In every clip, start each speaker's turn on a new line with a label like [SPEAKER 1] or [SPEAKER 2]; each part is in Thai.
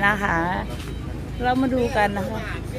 [SPEAKER 1] นะคะ เรามาดูกันนะคะ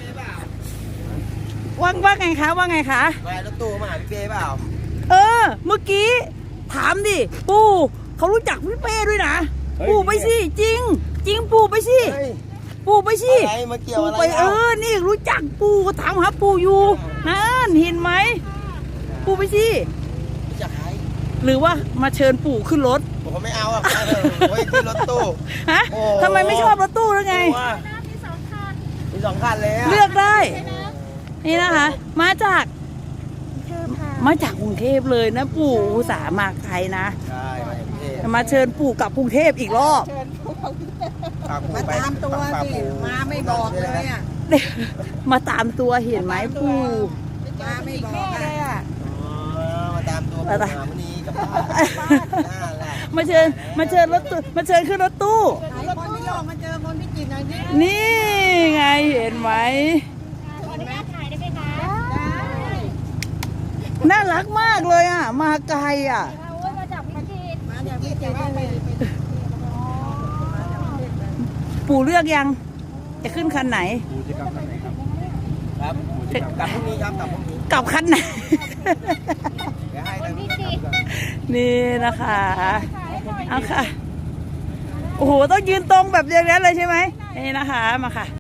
[SPEAKER 1] ว่าไงคะว่าไงคะ
[SPEAKER 2] ไปรถตู้มาหาพี่เป้เปล่า
[SPEAKER 1] เมื่อกี้ถามดิปู่เขารู้จักพี่เป้ด้วยนะปู่ไปสิจริงปู่ไปสิปู่ไปสิปู่ไปนี่รู้จักปู่ก็ถามหาปู่อยู่นั่นเห็นไหมปู่ไปสิ
[SPEAKER 2] จะขาย
[SPEAKER 1] หรือว่ามาเชิญปู่ขึ้นรถ
[SPEAKER 2] ผมไม่เอาอ่ะโอ้ยขึ้นรถตู้
[SPEAKER 1] ฮะทำไมไม่ชอบรถตู้แล้วไง
[SPEAKER 2] มีสองคันเลย
[SPEAKER 1] เลือกได้นี่นะคะมาจากกรุงเทพเลยนะปู่อุตส่าห์มาไกลนะ
[SPEAKER 2] ใช่
[SPEAKER 1] มาเชิญปู่กลับกรุงเทพอีกรอบ
[SPEAKER 3] มาตามตัวสิมาไม่บอกเลยอ่ะ
[SPEAKER 1] มาตามตัวเห็นไหมปู่
[SPEAKER 3] มาไม่บอกเลยอ่ะ
[SPEAKER 2] มาตามตัววันนี้กับ
[SPEAKER 1] มาเชิญรถตู้มาเชิญขึ้นรถตู้
[SPEAKER 3] คนที่โลกมาเจอคนพิจิตรหน่อยสิ
[SPEAKER 1] นี่ไงเห็นไหมน่ารักมากเลยอ่ะมาไกลอ่ะปู่เลือกยังจะขึ้นคันไหน
[SPEAKER 2] ปู่จะกลับคันไหนครับกลับพรุ่งนี้ครับกลับพรุ่งนี้
[SPEAKER 1] กลับคันไหนนี่นะคะเอาค่ะโอ้โหต้องยืนตรงแบบอย่างนั้นเลยใช่ไหมนี่นะคะมาค่ะ